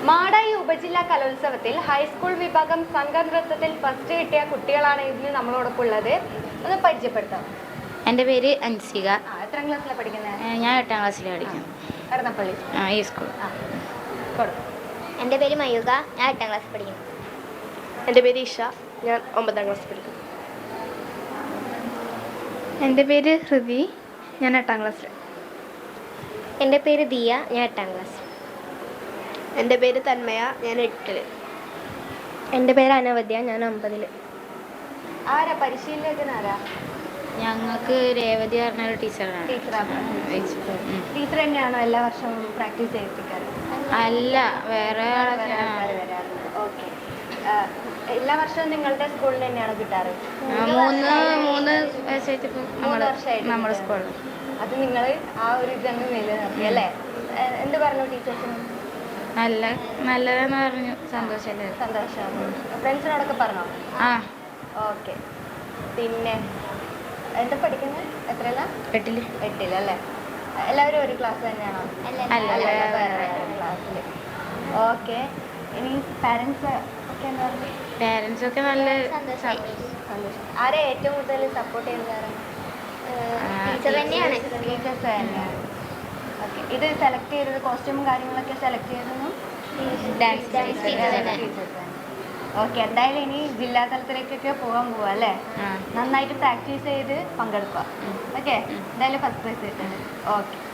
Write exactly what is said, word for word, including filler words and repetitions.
മാടായി ഉപജില്ലാ കലോത്സവത്തിൽ ഹൈസ്കൂൾ വിഭാഗം സംഘനൃത്തത്തിൽ ഫസ്റ്റ് കിട്ടിയ കുട്ടികളാണ് ഇന്ന് നമ്മളോടൊപ്പം ഉള്ളത്. ഒന്ന് പരിചയപ്പെടുത്താം. എൻ്റെ പേര് അൻസിക. എത്രാം ക്ലാസ്സിലാണ് പഠിക്കുന്നത്? ഞാൻ എട്ടാം ക്ലാസ്സിൽ പഠിക്കുന്നു. കടന്നപ്പള്ളി ഈ സ്കൂൾ. എൻ്റെ പേര് മയൂക, ഞാൻ എട്ടാം ക്ലാസ്സിൽ പഠിക്കുന്നു. എൻ്റെ പേര് ഇഷ, ഞാൻ ഒമ്പതാം ക്ലാസ്സിൽ പഠിക്കുന്നു. എൻ്റെ പേര് ഹൃതി, ഞാൻ എട്ടാം ക്ലാസ്സിൽ. എൻ്റെ പേര് ദിയ, ഞാൻ എട്ടാം ക്ലാസ്സിൽ. എൻ്റെ പേര് തന്മയ, ഞാൻ എട്ടിൽ. എൻ്റെ പേര് അനവദ്യ, ഞാൻ ഒമ്പതിൽ. ആരാ പരിശീലകനാരാ? ഞങ്ങൾക്ക് രേവതി പറഞ്ഞ ഒരു ടീച്ചറാണ്. ടീച്ചറാണ്. ടീച്ചർ തന്നെയാണോ എല്ലാ വർഷവും പ്രാക്ടീസ് ചെയ്യിപ്പിക്കാറ്? അല്ല, വേറെ ഓക്കെ. എല്ലാ വർഷവും നിങ്ങളുടെ സ്കൂളിൽ തന്നെയാണോ കിട്ടാറ്? മൂന്ന് മൂന്ന് വയസ്സായിട്ട് മൂന്ന് വർഷമായിട്ട് നമ്മുടെ സ്കൂളിൽ. അത് നിങ്ങൾ ആ ഒരു ഇതങ്ങ് നിലനിർത്തി അല്ലേ? എന്ത് പറഞ്ഞു ടീച്ചേഴ്സിന്? നല്ല നല്ലതെന്ന് പറഞ്ഞു. സന്തോഷമല്ലേ? സന്തോഷം. ഫ്രണ്ട്സിനോടൊക്കെ പറഞ്ഞോ? ആ. ഓക്കെ. പിന്നെ എന്താ പഠിക്കുന്നത്? എത്രയല്ല? എട്ടില്. എട്ടിലല്ലേ? എല്ലാവരും ഒരു ക്ലാസ് തന്നെയാണോ? അല്ല, ക്ലാസ്സിൽ. ഓക്കെ. ഇനി പാരൻസ് ഒക്കെ എന്താ പറയുക? പാരൻസ് ഒക്കെ നല്ല സന്തോഷം. ആരെ ഏറ്റവും കൂടുതൽ സപ്പോർട്ട് ചെയ്യുന്നതാണ്? ടീച്ചർ തന്നെയാണ്. ടീച്ചേഴ്സ് തന്നെയാണ്. ഓക്കെ. ഇത് സെലക്ട് ചെയ്തത് കോസ്റ്റ്യൂമും കാര്യങ്ങളൊക്കെ സെലക്ട് ചെയ്തതും ഡാൻസ് ടീച്ചേഴ്സ് തന്നെ. ഓക്കെ. എന്തായാലും ഇനി ജില്ലാ തലത്തിലേക്കൊക്കെ പോകാൻ പോവാ അല്ലേ? നന്നായിട്ട് പ്രാക്ടീസ് ചെയ്ത് പങ്കെടുക്കുക. ഓക്കെ. എന്തായാലും ഫസ്റ്റ് പ്രൈസ് കിട്ടുന്നത്. ഓക്കെ.